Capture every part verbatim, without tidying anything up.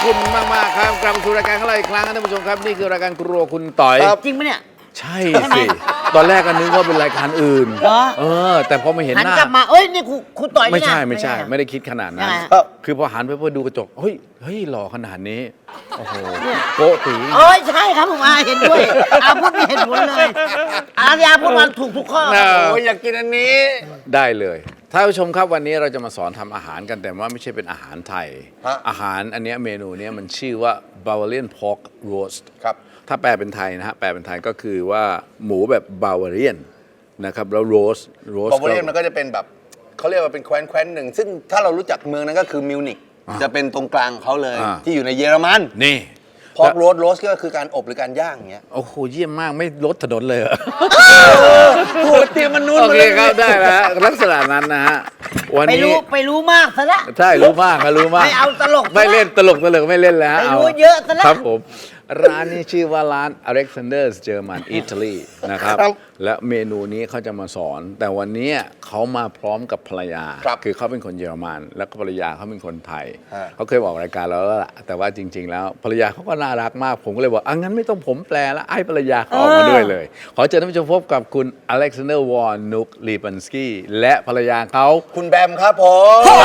คุณมากมากครับกลับมาสู่รายการของเราอีกครั้งนะท่านผู้ชมครับนี่คือรายการครัวคุณต่อยจริงไหมเนี่ยใช่สิตอนแรกก็นึกว่าเป็นรายการอื่นเออแต่พอมาเห็นหน้าหันกลับมาเอ้ยนี่คุณต่อยไม่ใช่ไม่ใช่ไม่ได้คิดขนาดนั้นคือพอหันไปเพื่อดูกระจกเฮ้ยเฮ้ยหล่อขนาดนี้โอ้โหโกตีเอ้ยใช่ครับผมอาเห็นด้วยอาพูดมีเหตุผลเลยอาญาพูดมาถูกทุกข้อโอ้ยอยากกินอันนี้ได้เลยท่านผู้ชมครับวันนี้เราจะมาสอนทำอาหารกันแต่ว่าไม่ใช่เป็นอาหารไทยอาหารอันนี้เมนูนี้มันชื่อว่า Bavarian Pork Roast ครับถ้าแปลเป็นไทยนะฮะแปลเป็นไทยก็คือว่าหมูแบบบาวาเรียนนะครับแล้วโรสโรสบาวาเรียนมันก็จะเป็นแบบเขาเรียกว่าเป็นแคว้นแคว้นหนึ่งซึ่งถ้าเรารู้จักเมืองนั้นก็คือมิวนิกจะเป็นตรงกลางเขาเลยที่อยู่ในเยอรมันนี่พอกโรสโรสก็คือการอบหรือการย่างอย่างเงี้ยโอ้โหเยี่ยมมากไม่ลดถนนเลยโอ้เตรียมมันนุ่นโอเคครับได้แล้วลักษณะนั้นนะฮะวันนี้ไปรู้ไปรู้มากซะละใช่รู้มากครับรู้มากไม่เอาตลกไม่เล่นตลกตลกไม่เล่นแล้วไปรู้เยอะซะละครับผมร้านนี้ชื่อว่าร้าน Alexander's German Italy นะครับและเมนูนี้เขาจะมาสอนแต่วันนี้เขามาพร้อมกับภรรยาคือเขาเป็นคนเยอรมันแล้วก็ภรรยาเขาเป็นคนไทยเขาเคยบอกรายการเราแล้วล่ะแต่ว่าจริงๆแล้วภรรยาเขาก็น่ารักมากผมก็เลยบอกอ่ะงั้นไม่ต้องผมแปลแล้วให้ภรรยาเขาออกมาด้วยเลยขอเชิญท่านผู้ชมพบกับคุณ Alexander Von Nuck Lipansky และภรรยาเขาคุณแบมครับผมส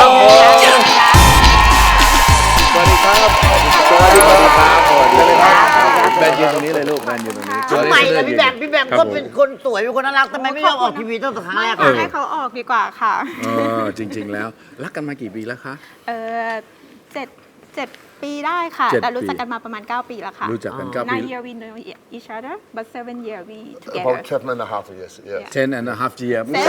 วัสดีครับสวัสดีครับสวัสดีครับแบนยืนตรงนี้เลยลูกแบนยืนตรงนี้ทำไมล่ะพี่แบมพี่แบมก็เป็นคนสวยเป็นคนน่ารักทำไมไม่ยอมออกทีวีตั้งแต่ครั้งแรกให้เขาออกดีกว่าค่ะเออจริงๆแล้วรักกันมากี่ปีแล้วคะเออเจ็ดเจ็ดปีได้ค่ะแต่รู้จักกันมาประมาณเก้าปีแล้วค่ะรู้จักกันเก้าปี nine year we know each other but seven year we together about seven and a half years yeah ten and a half year เนี่ย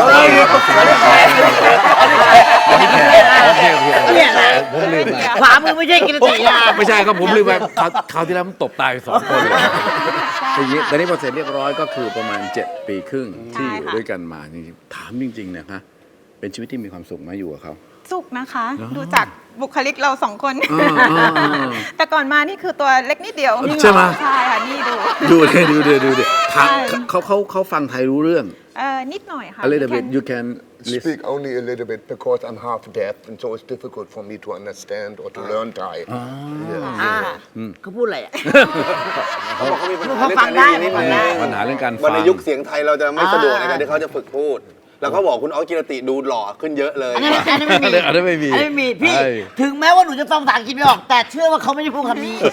นะผมลืมไปขวามือไม่ใช่กินตีนะไม่ใช่ครับผมลืมไปคราวที่แล้วมันตบตายสองคนเลยทีนี้ตอนนี้พอเสร็จเรียบร้อยก็คือประมาณเจ็ดปีครึ่งที่อยู่ด้วยกันมาจริงๆถามจริงๆนะคะเป็นชีวิตที่มีความสุขไหมอยู่กับเขาสุขนะคะดูจากบุคลิกเราสองคนแต่ก่อนมานี่คือตัวเล็กนิดเดียวใช่ไหมใช่ค่ะนี่ดูดูเลยดูเลยดูเลยเขาเขาเขาฟังไทยรู้เรื่องเออนิดหน่อยค่ะ a little bit you can speak only a little bit because I'm half deaf and so it's difficult for me to understand or to learn Thai เขาพูดอะไรอ่ะเขาบอกเขามีปัญหาเขาฟังได้นิดนึงปัญหาเรื่องการฟังในยุคเสียงไทยเราจะไม่สะดวกในการที่เขาจะฝึกพูดแล้วก็บอกคุณอ๊อฟกิรติดูหล่อขึ้นเยอะเลยอันนี้อันนี้ไม่มีอันนี้ไม่มีอันนี้ไม่มีพี่ถึงแม้ว่าหนูจะฟังภาษาอังกฤษไม่ออกแต่เชื่อว่าเขาไม่ได้พูดคำนี้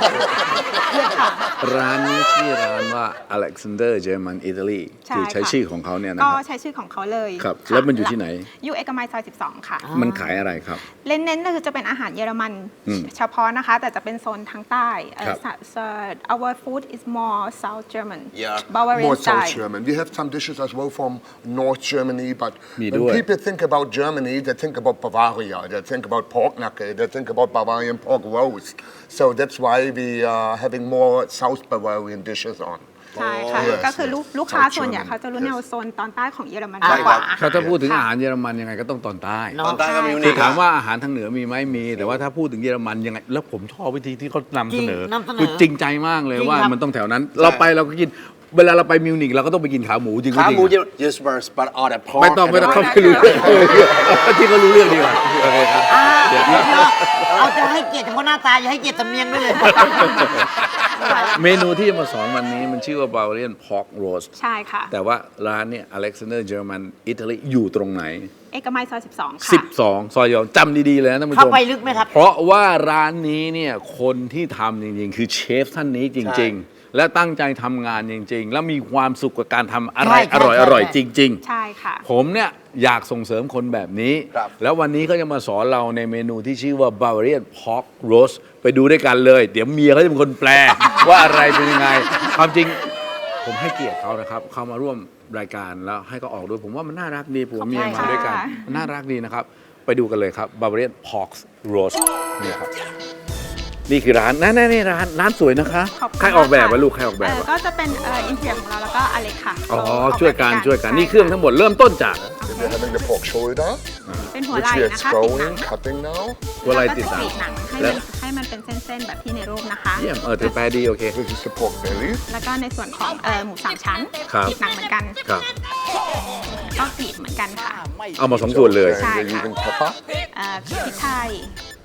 ร้านนี้ชื่อร้านว่า Alexander German Italy คือใช้ชื่อของเขาเนี่ยนะก็ใช้ชื่อของเขาเลยครับแล้วมันอยู่ที่ไหนอยู่เอกมัยซอยสิบสองค่ะมันขายอะไรครับเน้นๆก็คือจะเป็นอาหารเยอรมันเฉพาะนะคะแต่จะเป็นโซนทางใต้ our food is more South German Bavarian more style South German we have some dishes as well from North Germany but when people think about Germany they think about Bavaria they think about pork knuckle they think about Bavarian pork roast so that's why we are having more South Bavarian dishes on ใช่ค่ะก็คือลูกค้าส่วนใหญ่เขาจะรู้แนวโซนตอนใต้ของเยอรมันมากกว่าเขาถ้าพูดถึงอาหารเยอรมันยังไงก็ต้องตอนใต้ตอนใต้ก็มีคือถามว่าอาหารทางเหนือมีไหมมีแต่ว่าถ้าพูดถึงเยอรมันยังไงแล้วผมชอบวิธีที่เขานำเสนอคือจริงใจมากเลยว่ามันต้องแถวนั้นเราไปเราก็กินเวลาเราไปมิวนิกเราก็ต้องไปกินขาหมูจริงๆขาหมูจะ yes first but all the pork ไม่ต้องไม่ต้องเขาไม่รู้เรื่องที่เขารู้เรื่องดีกว่าโอเคครับเอาจะให้เกียรติเฉพาะหน้าตาอย่าให้เกียรติสำเนียงด้วยเลยเมนูที่จะมาสอนวันนี้มันชื่อว่า Bavarian Pork Roast ใช่ค่ะแต่ว่าร้านเนี่ย Alexander German Italy อยู่ตรงไหนเอกมัยซอยสิบสองค่ะสิบสองซอยยองจำดีๆเลยนะท่านผู้ชมเข้าไปลึกไหมครับเพราะว่าร้านนี้เนี่ยคนที่ทำจริงๆคือเชฟท่านนี้จริงๆและตั้งใจทำงานจริงๆแล้วมีความสุขกับการทำอะไรอร่อยๆจริงๆใช่ค่ะผมเนี่ยอยากส่งเสริมคนแบบนี้แล้ววันนี้เขาจะมาสอนเราในเมนูที่ชื่อว่า Bavarian Pork Roast ไปดูด้วยกันเลยเดี๋ยวเมียเขาจะเป็นคนแปลว่าอะไรเป็นยังไงความจริงผมให้เกียรติเขานะครับเขามาร่วมรายการแล้วให้เขาออกด้วยผมว่ามันน่ารักดีผัวเมียมาด้วยกันน่ารักดีนะครับไปดูกันเลยครับ Bavarian Pork Roast นี่ครับนี่คือร้านนั่นนี่ร้านร้านสวยนะคะใครออกแบบวะลูกใครออกแบบก็จะเป็นอินเทียของเราแล้วก็อเล็กค่ะอ๋อช่วยกันช่วยกันนี่เครื่องทั้งหมดเริ่มต้นจาก We're having the pork shoulder เป็นหัวไหล่นะคะติดหนัง cutting now หัวไหล่ติดหนังแล้วให้มันเป็นเส้นๆแบบที่ในรูปนะคะเยี่ยมเออถือแปลดีโอเค This is the pork belly แล้วก็ในส่วนของหมูสามชั้นติดหนังเหมือนกันครับก็กรีดเหมือนกันค่ะเอามาสองส่วนเลยใช่ค่ะ Even pepper พริกไทย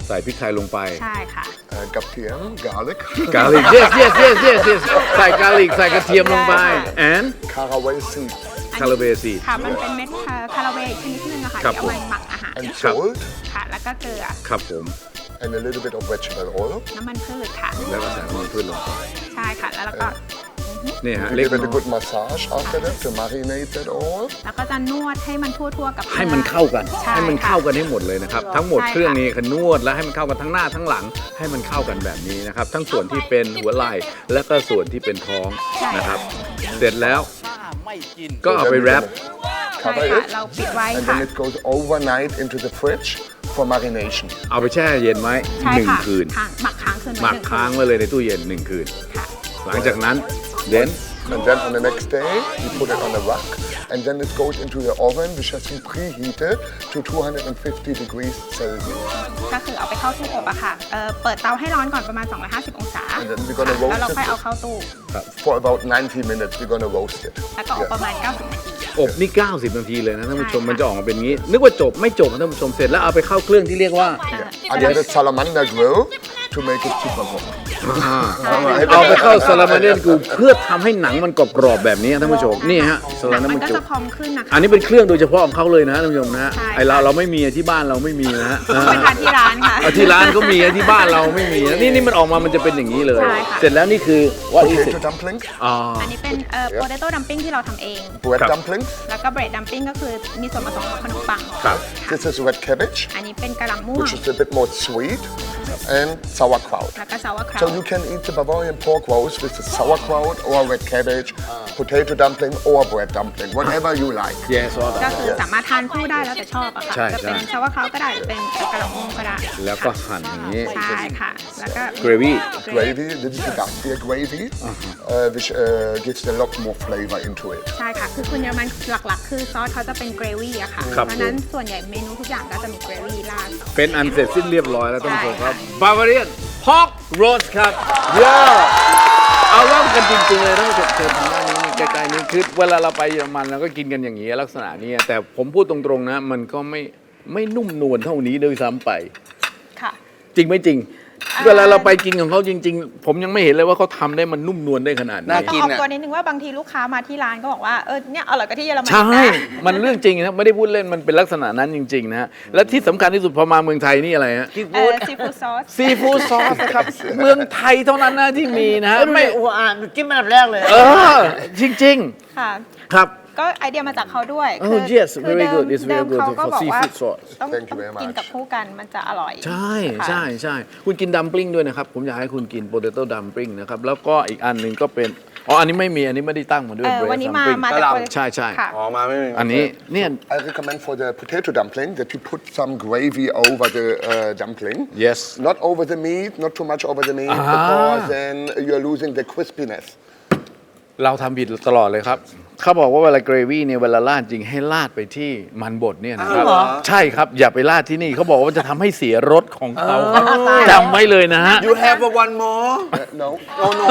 ใส่พริกไทยลงไปใช่ค่ะ Uh, Gaptium, garlic, กาลิก yes yes yes yes yes ใส่กาลิกใส่กระเทียมลงไป and caraway seeds, คาราเบซีค่ะ มันเป็นเม็ดคาราเวย์ชนิดนึงอะค่ะครับที่เอาไว้หมักอาหาร and salt, ค่ะ แล้วก็เกลือครับผม and a little bit of vegetable oil. น้ำมันพืชค่ะแล้วก็ใส่น้ำมันพืชลงไปใช่ค่ะ แล้วเราก็นี่ฮะ You เล็ก give it น้ a อย good massage after that to marinate that all. แล้วก็จะนวดให้มันทั่วๆกับให้มันเข้ากันใช่ให้มันเข้าค่ะกันให้หมดเลยนะครับ ทั้งหมดใช่ค่ะเครื่องนี้คือนวดแล้วให้มันเข้ากันทั้งหน้าทั้งหลังให้มันเข้ากันแบบนี้นะครับ ทั้งส่วนที่เป็นหัวไหล่และก็ส่วนที่เป็นท้องนะครับ เสร็จแล้วก็เอาไปแรปใช่ Cover ค่ะ it, เราปิดไว้ and ค่ะ then it goes overnight into the fridge for marination. เอาไปแช่เย็นไว้ใช่หนึ่งค่ะคืนค้างหมักค้างคืนหไว้มักหนึ่งคืค้างนไว้เลยในตู้เย็นหนึ่งคืนค่ะหลังจากนั้นเด่น And then on the next day, you put it on a rack, and then it goes into the oven, which has been preheated to two hundred fifty degrees Celsius. ก็คือเอาไปเข้าตู้อบอะค่ะเอ่อเปิดเตาให้ร้อนก่อนประมาณ สองร้อยห้าสิบ องศา And then we're gonna roast แล้วเราค่อย it เอาเข้าตู้ for about ninety minutes. We're gonna roast it. แล้วก็อบประมาณ เก้าสิบ นาทีอบนี่ เก้าสิบ นาทีเลยนะท่านผู้ชมใช่ค่ะมันจะออกมาเป็นอย่างนี้ นึกว่าจบไม่จบนะท่านผู้ชมเสร็จแล้วเอาไปเข้าเครื่องที่เรียกว่า I get a salamander grill to make it super hot. เอาไปเข้าซาลามาเดนกูเพื่อทำให้หนังมันกรอบๆแบบนี้ท่านผู้ชมนี่ฮะซาหนัลาง มาเดมันนก็กูจะพองขึ้นนะคะอันนี้เป็นเครื่องโดยเฉพาะของเขาเลยนะท่านผู้ชมนะฮะใช่ไอเราเราไม่มีที่บ้านเราไม่มีนะฮะต้องไปทานที่ร้านค่ะเอาที่ร้านก็มีที่บ้านเราไม่มีนะนี่นี่มันออกมามันจะเป็นอย่างนี้เลยใช่ค่ะเสร็จแล้วนี่คือ what is it Potato dumpling, อ๋ออันนี้เป็นเอ่อ potato dumpling ที่เราทำเอง bread Cup. dumplings. แล้วก็ bread dumpling ก็คือมีส่วนผสมของขนมปังครับ This is red cabbage, อันนี้เป็นกะหล่ำม่วง which is a bit more sweet, and sauerkraut. แล้วก็ sauerkraut So you can eat the Bavarian pork roast with the sauerkraut or red cabbage, potato dumpling or bread dumpling, whatever you like. yes ก็คือสามารถทานคู่ได้แล้วแต่ชอบอะค่ะใช่จะเป็นใช่ sauerkraut ก็ได้หรือเป็นกะหล่ำม่วงก็ได้แล้วก็หั่นอย่างนี้ใช่ค่ะ แล้วก็ gravy Gravy, this is the Garcia gravy, uh, which uh, gives a lot more flavor into it. ใช่ค่ะ คือคุณเยอรมันหลักๆ คือซอสเขาจะเป็นเกรวี่อะค่ะครับเพราะฉะนั้นส่วนใหญ่เมนูทุกอย่างก็จะมีเกรวี่ราดเป็นอันเสร็จสิ้นเรียบร้อยแล้วท่านผู้ชมครับใช่ค่ะบาวาเรียนพอกโรสครับเยอะเอาเล่ากันจริงๆเลยท่านผู้ชมเชิญทางด้านนี้นี่ใกล้ๆนี้คือเวลาเราไปเยอรมันเราก็กินกันอย่างนี้ลักษณะนี้แต่ผมพูดตรงๆนะ มันก็ไม่ไม่นุ่มนวลเท่านี้ด้วยซ้ำไปค่ะจริงไหมจริงอ่าเวลาเราไปกินของเขาจริง ๆ ผมยังไม่เห็นเลยว่าเขาทำได้มันนุ่มนวลได้ขนาดนี้น่าต้องกินออกอะตัวนิดนึงว่าบางทีลูกค้ามาที่ร้านก็บอกว่า เออ เนี่ยอร่อยกว่าที่เยอรมันใช่นะมันเรื่องจริงนะไม่ได้พูดเล่นมันเป็นลักษณะนั้นจริงๆนะฮะและที่สำคัญที่สุดพอมาเมืองไทยนี่อะไรฮะเออซีฟู้ดซอสซีฟู้ดซอสนะครับ เมืองไทยเท่านั้นนะที่มีนะฮะไม่ไม่โอ้อ่านจิ้มอันดับแรกเลยเออ จริงค่ะๆ ครับก็ไอเดียมาจากเขาด้วย Oh, คือ yes, คือ very เดิม good. It's very เดิม good เขาก็ for บอกว่า seafood sauce. ต้อง Thank you ต้อง very much กินกับคู่กันมันจะอร่อยใช่ค่ะใช่ใช่คุณกินดัมปลิ้งด้วยนะครับ ผมอยากให้คุณกินโปเตโต้ดัมปลิ้งนะครับ แล้วก็อีกอันหนึ่งก็เป็น อ๋อ อันนี้ไม่มี อันนี้ไม่ได้ตั้งมาด้วยเออ bread วันนี้มา dumpling มาจากใช่ใช่ค่ะอ๋อมาไม่มีอันนี้เนี่ย I recommend for the potato dumpling that you put some gravy over the uh, dumpling. yes Not over the meat, not too much over the meat, Ah. because then you're losing the crispiness. เราทำผิดตลอดเลยครับ เขาบอกว่าเวลาเกรวี่เนี่ยเวลาราดจริงให้ราดไปที่มันบดเนี่ยนะครับอ้าวเหรอใช่ครับ อย่าไปราดที่นี่เขาบอกว่าจะทำให้เสียรสของเขาจำไว้เลยนะฮะ You have a one more No. no no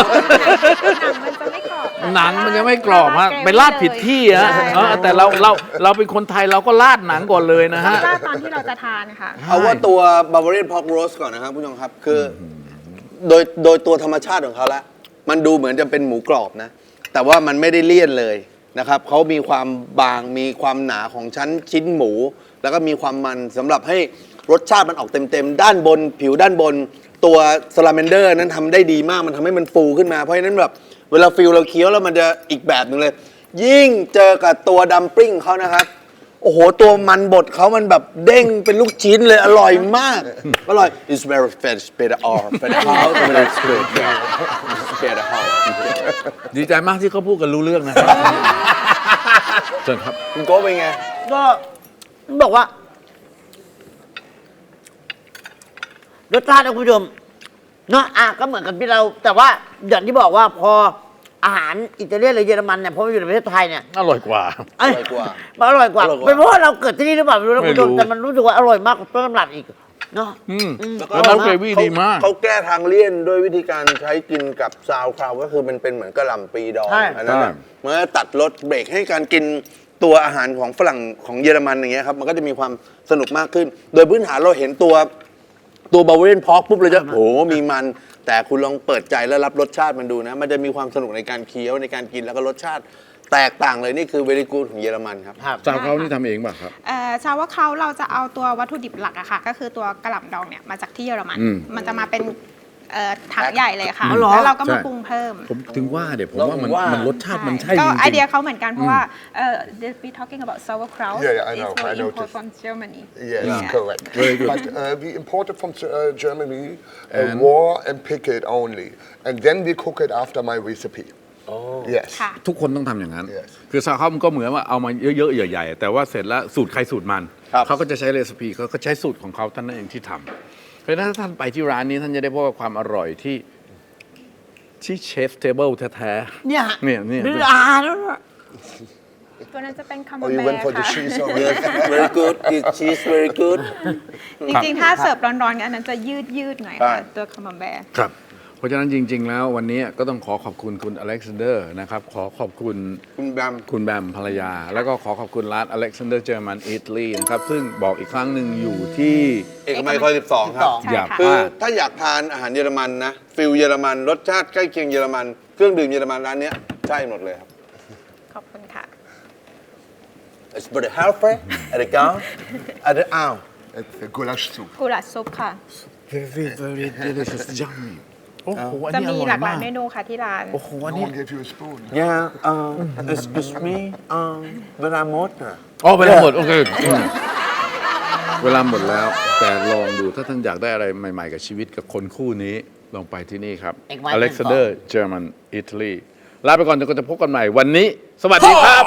หนังมันจะไม่กรอบหนังมันจะไม่กรอบฮะไปราดผิดที่ฮะใช่เออแต่เราเราเราเป็นคนไทยเราก็ราดหนังก่อนเลยนะฮะราดตอนที่เราจะทานค่ะเอาว่าตัว Bavarian Pork Roast ก่อนนะครับผู้ชมครับ คือโดยโดยตัวธรรมชาติของเขาละมันดูเหมือนจะเป็นหมูกรอบนะ แต่ว่ามันไม่ได้เลี่ยนเลยนะครับเขามีความบางมีความหนาของชั้นชิ้นหมู แล้วก็มีความมันสำหรับให้รสชาติมันออกเต็มๆ ด้านบนผิวด้านบน ตัวสลาเมนเดอร์นั้นทำได้ดีมากมันทำให้มันฟูขึ้นมาเพราะฉะนั้นแบบเวลาฟิลเราเคี้ยวแล้วมันจะอีกแบบหนึ่งเลย ยิ่งเจอกับตัวดัมปลิ้งเขานะครับ โอ้โห ตัวมันบดเขามันแบบเด้งเป็นลูกชิ้นเลย อร่อยมาก อร่อย It's very fresh better or better house better good better house ดีใจมากที่เขาพูดกันรู้เรื่องนะครับเชิญครับคุณโก้เป็นไงก็บอกว่า รสชาตินะคุณผู้ชมเนาะอ่ะก็เหมือนกันที่เรา แต่ว่าอย่างที่บอกว่าพออาหารอิตาเลียนหรือเยอรมันเนี่ยพอมาอยู่ในประเทศไทยเนี่ยอร่อยกว่าเอ้ยอร่อยกว่ามันอร่อยกว่าอร่อยกว่าเป็นเพราะว่าเราเกิดที่นี่หรือเปล่าไม่รู้นะไม่คุณรู้ผู้ชมแต่มันรู้สึกว่าอร่อยมากกว่าต้นตำรับอีกเนาะอืมอืมแล้วน้ำเกรวี่ดีมากเขาแก้ทางเลี่ยนด้วยวิธีการใช้กินกับซาวคราวก็คือมันเป็นเหมือนกะหล่ำปีดองใช่อันนั้นน่ะใช่มันก็ตัดรสเบรกให้การกินตัวอาหารของฝรั่งของเยอรมันอย่างเงี้ยครับมันก็จะมีความสนุกมากขึ้น โดยพื้นฐานเราเห็นตัวตัวบา v า r เ a ียนพอกปุ๊บเลยจะโอ้โหมีมัน แต่คุณลองเปิดใจแล้วรับรสชาติมันดูนะ มันจะมีความสนุกในการเคี้ยวในการกินแล้วก็รสชาติแตกต่างเลยนี่คือเวลิกูดของเยอรมันครับซาวเขานี่ทำเองป่ะครับเอ่อชาวว่าเขาเราจะเอาตัววัตถุดิบหลักอะค่ะ ก็คือตัวกระหล่ำดองเนี่ยมาจากที่เยอรมันอืมมันจะมาเป็นเอ่อถังใหญ่เลยค่ะอ๋อเหรอแล้วเราก็มาใช่ปรุงเพิ่มผมถึงว่าเดี๋ยวผมว่ามันว่ามัมันรสชาติมันใช่ก็จริงไอเดียๆเขาเหมือนกันเพราะว่าเอ่อ we talking about sauerkraut Yeah, yeah, I know, It's I import noticed. from Germany Yes, Yeah. correct. Very good. But uh, we import it from uh, Germany, uh, And- raw and pick it only, and then we cook it after my recipe. Yes. ค่ะทุกคนต้องทำอย่างนั้น Yes คือซาวเขามันก็เหมือนว่าเอามาเยอะๆใหญ่ๆ แต่ว่าเสร็จแล้วสูตรใครสูตรมันครับเขาก็จะใช้เรซิปีเขาก็ใช้สูตรของเขาท่านนั่นเองที่ทำเพราะฉะนั้นถ้าท่านไปที่ร้านนี้ท่านจะได้พบกับความอร่อยที่ที่เชฟเทเบิลแท้ๆเนี่ยเนี่ยเนี่ยดูอาหารแล้วนะตัวนั้นจะเป็นคาร์โบ Oh, you แบ went ร์ for the ค่ะ cheese already? Yes very good it's cheese very good จริงๆ ถ้าเสิร์ฟร้อนๆกันอันนั้นจะยืดยืดๆหน่อยค่ะใช่ตัวคาร์โบแบร์ครับ เพราะฉะนั้นจริง ๆ แล้ววันนี้ก็ต้องขอขอบคุณคุณอเล็กซานเดอร์นะครับ ขอขอบคุณคุณแบมคุณแบมภรรยา แล้วก็ขอขอบคุณร้านอเล็กซานเดอร์เจอร์มันอิตาลีนะครับ ซึ่งบอกอีกครั้งหนึ่งอยู่ที่เอกมัยซอยสิบสองครับใช่อย่าค่ะพคือลาดถ้าอยากทานอาหารเยอรมันนะฟิลเยอรมันรสชาติใกล้เคียงเยอรมันเครื่องดื่มเยอรมันร้านเนี้ยใช่หมดเลยครับขอบคุณค่ะ It's for the healthy at the gun at the อ้าว It's the goulash soup. กุหลาบซุปค่ะ very very delicious yummy โอ้โหอันจะนี้อมีร่อยหลากหลามาย กเมนูค่ะที่ร้านโอ้โหอัน No นี้ one gave you a spoon. Yeah uh, excuse me um เวลาหมดอ่ะอ๋อเวลาหมด โอเคอืมเวลาหมดแล้ว แต่ลองดูถ้าท่านอยากได้อะไรใหม่ ๆ กับชีวิตกับคนคู่นี้ ลองไปที่นี่ครับเอกมัย Alexander German Italy ลาไปก่อนจนกว่าจะพบกันใหม่วันนี้ สวัสดีครับ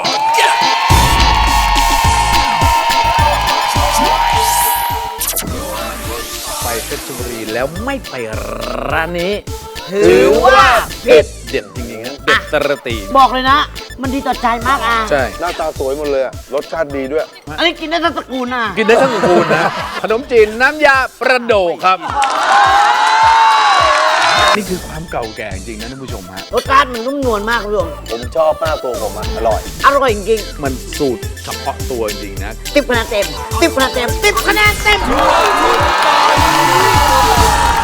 ไปเพชรบุรีแล้วไม่ไปร้านนี้ถือว่าผิดเด็ดจริงๆนะเด็ดตระตีบอกเลยนะ มันดีต่อใจมากอ่ะใช่หน้าตาสวยหมดเลยอะรสชาติดีด้วยอันนี้กินได้ทั้งตระกูลอ่ะกินได้ทั้งคูณนะ ขนมจีนน้ำยาประโดกครับ นี่คือความเก่าแก่จริงนะท่านผู้ชมฮะรสชาติมันนุ่มนวลมากคุณผู้ชมผมชอบมากตัวผมอะอร่อยอร่อยจริงมันสูตรเฉพาะตัวจริงๆนะๆติ๊บคะแนนเต็มติ๊บคะแนนเต็มติ๊บคะแนนเต็ม